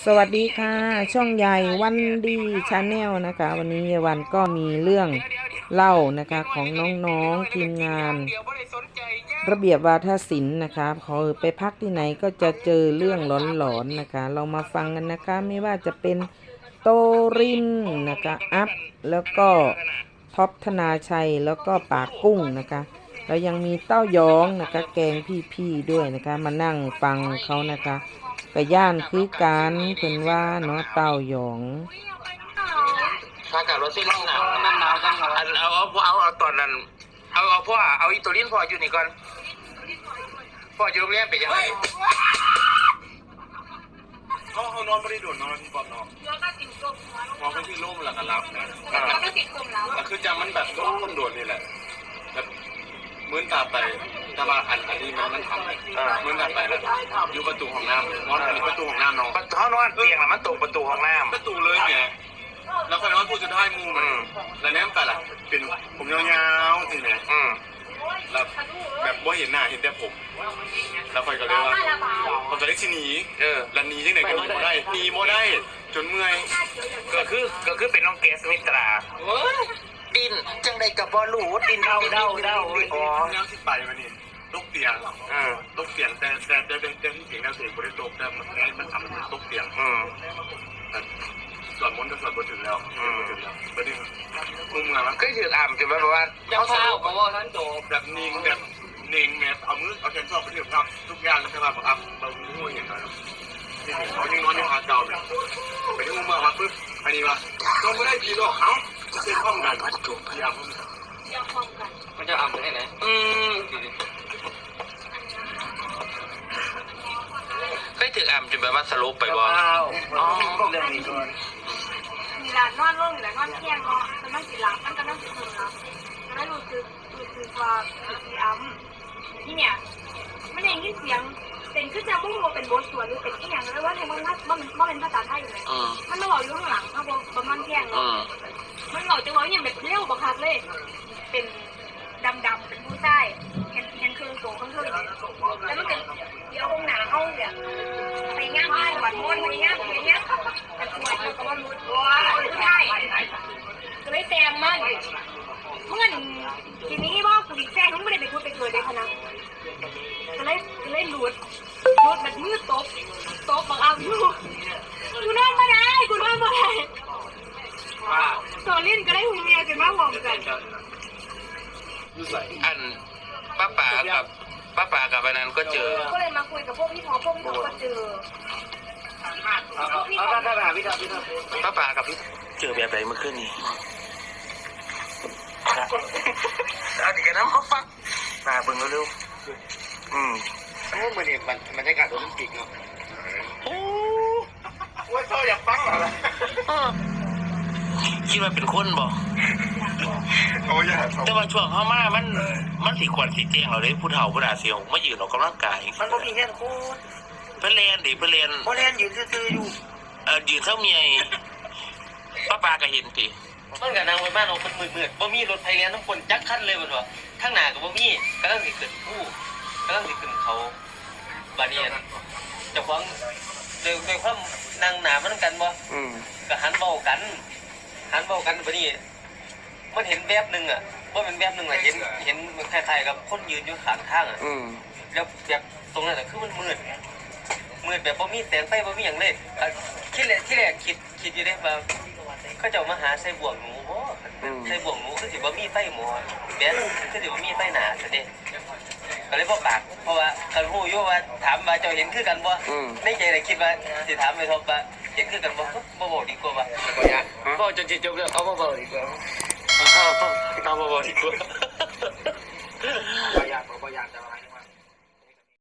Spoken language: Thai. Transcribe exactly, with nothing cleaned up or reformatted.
สวัสดีค่ะช่องใหญ่วันดีชาแนลนะคะวันนี้ยายวันก็มีเรื่องเล่านะคะของน้องๆทีมงานระเบียบวาทศิลป์นะคะพอไปพักที่ไหนก็จะเจอเรื่องหลอนๆนะคะเรามาฟังกันนะคะไม่ว่าจะเป็นโตรินนะคะอัพแล้วก็ท็อปธนาชัยแล้วก็ปากกุ้งนะคะแล้วยังมีเต้ายองนะคะแกงพี่ๆด้วยนะคะมานั่งฟังเขานะคะกระย่านคือการเพิ่นว่าเนาะเต้ายองถ้ากับรถซิ่งหนาวนั่นหนาวจังหวะเอาเอาเอาเอาตอนนั้นเอาเอาพ่อเอาอีตัวลิ้นพ่ออยู่นี่ก่อนพ่ออยู่โรงเรียนไปยังไงเขาเขานอนไม่ได้โดดนอนที่ปอบนอนมองไปที่ร่มหลังกันรับนะก็คือจำมันแบบร่มมันโดดนี่แหละแบบเหมือนตาไปตาบาอันอันนี้มันมันทำเหมือนตาไปแล้วอยู่ประตูห้องน้ำนอนอยู่ประตูห้องน้ำน้องเขานอนเตียงมันตรงประตูห้องน้ำประตูเลยไงแล้วคอยนอนพูดจะได้มูมันแล้วแนมแต่ละเป็นผมยาวๆสิเนี่ยแล้วแบบว่าเห็นหน้าเห็นแต่ผมแล้วคอยก็เลยว่าผมจะได้ชิหนีเออแล้วหนีที่ไหนก็หนีโมได้หนีโมได้จนเมื่อยก็คือก็คือเป็นน้องเกสมิตราดินจังใดกับบอลลูดินเดาเดาเดาอ๋อแนวที่ไปมันนี่ตกเตียงตกเตียงแต่แต่แต่แต่ที่เสียงแนวเสียงบริโภคแต่มันมันทำมันตกเตียงส่วนมนต์ก็ส่วนบนถึงแล้วถึงแล้วประเด็นมุมงานมันก็ถืออ่ำจะแบบว่าเขาสรุปบอกว่าท่านโจแบบนิ่งแบบนิ่งแบบเอามือเอาแขนชอบไปถึงครับทุกอย่างใช่ไหมแบบอ่ะเราง่วงอย่างไรที่เขายังนอนอยู่หาเก่าเนี่ยไปที่มุมเมืองมาปุ๊บอันนี้ว่าต้องไม่ได้ผีหรอกเขาจะเป็นห้องงานวัดจุพยายามมันจะอ่ำได้ไหนอืมก็ถืออ่ำจนแบบว่าสรุปไปบ่อ๋อเรื่องนี้ก่อนมีร้านนอนร่มหรือนอนเที่ยงเนาะมันนั่งกินหลังมันก็นั่งกินคนเนาะแล้วรู้สึกรู้สึกว่ามีอ้ำที่เนี่ยไม่ได้ยินเสียงเป็นคือจะมุ่งว่าเป็นบทสวดหรือเป็นที่อย่างไรว่าในมันมันมันเป็นภาษาไทยอยู่เลยมันมาหล่ออยู่ข้างหลังเขาบอกประมาณเที่ยงเนาะมันหล่อจังเลยอย่างแบบเลี้ยวบักคักเลยเป็นดำดำเป็นผู้ใต้เห็นเห็นคือโสข้างเท่าเลยแล้วมันเป็นเดี๋ยวองหนาเขาเนี่ยไปย่างบ้านหวานม้วนไปย่างไปย่างแต่สวยเขาก็ว่ารู้ว่าผู้ใต้ก็เลยแซมมันเมื่อทีนี้ว่ากูดิแซงมันไม่ได้ไปพูดไปเกิดเลยพนักก็เลยก็เลยหลุดหลุดแบบมือตบตบบังเอาอยู่กูนอนไม่ได้กูนอนไม่ได้โซลินก็ได้หูเมียกันมาหอมกันอันป้าป๋ากับป้าป๋ากับอันนั้นก็เจอก็เลยมาคุยกับพวกพี่พอพวกพี่พอก็เจอป้าป๋ากับพี่เจอแบบไหนเมื่อคืนนี้เอาดีกันนะเขาฟังมาเบิ่งเร็วๆอืมโอ้เหมือนเนี่ยบรรยากาศโอลิมปิกเนาะโอ้ว่าเขาอยากฟังเหรอคิดว่าเป็นคนบ่แต่ว่าช่วงเข้ามามันมันสีขวัญสีแจ้งเราเลยผู้เฒ่าผู้ด่าเสียงมายืนออกกำลังกายมันก็มีแค่โคตรเพื่อเรียนดิเพื่อเรียนเพราะเรียนยืนซื่อๆอยู่เออยืนเท่าเมียป้าปาก็เห็นสิมันกับนางไว้บ้านเราเป็นมืดๆบ่มีรถไฟเรียนทั้งคนจักคันเลยบ่ตัวข้างหน้ากับบ่มีกำลังสิขึ้นผู้กำลังสิขึ้นเขาบาเนียนเจ้าของโดยโดยความนางหนามันกันบ่ก็หันเบากันหันเบากันบัดนี้มันเห็นแบบนึงอ่ะว่าเป็นแบบนึงอ่ะเห็นเห็นมันคล้ายๆกับคนยืนอยู่ข้างทางอ่ะแล้วแบบตรงนั้นอ่ะคือมันมืดมืดแบบบ่มีแสงไฟบ่มีหยังเลยคิดแรกที่แรกคิดคิดอยู่ได้ว่าเขาเจ้ามาหาใส่บ่วงหนูบ่ใส่บ่วงหนูคือสิบ่มีไฟหมอแบบคือสิบ่มีไฟหนาซะเด้ก็เลยบ่ปากเพราะว่าคันฮู้อยู่ว่าถามว่าเจ้าเห็นคือกันบ่ในใจน่ะคิดว่าสิถามไปทบว่าเห็นคือกันบ่บ่บอกดีกว่าว่าบ่จนสิจบแล้วเอาบ่บอกดีกว่าเอาเอาบ่บอกดีกว่า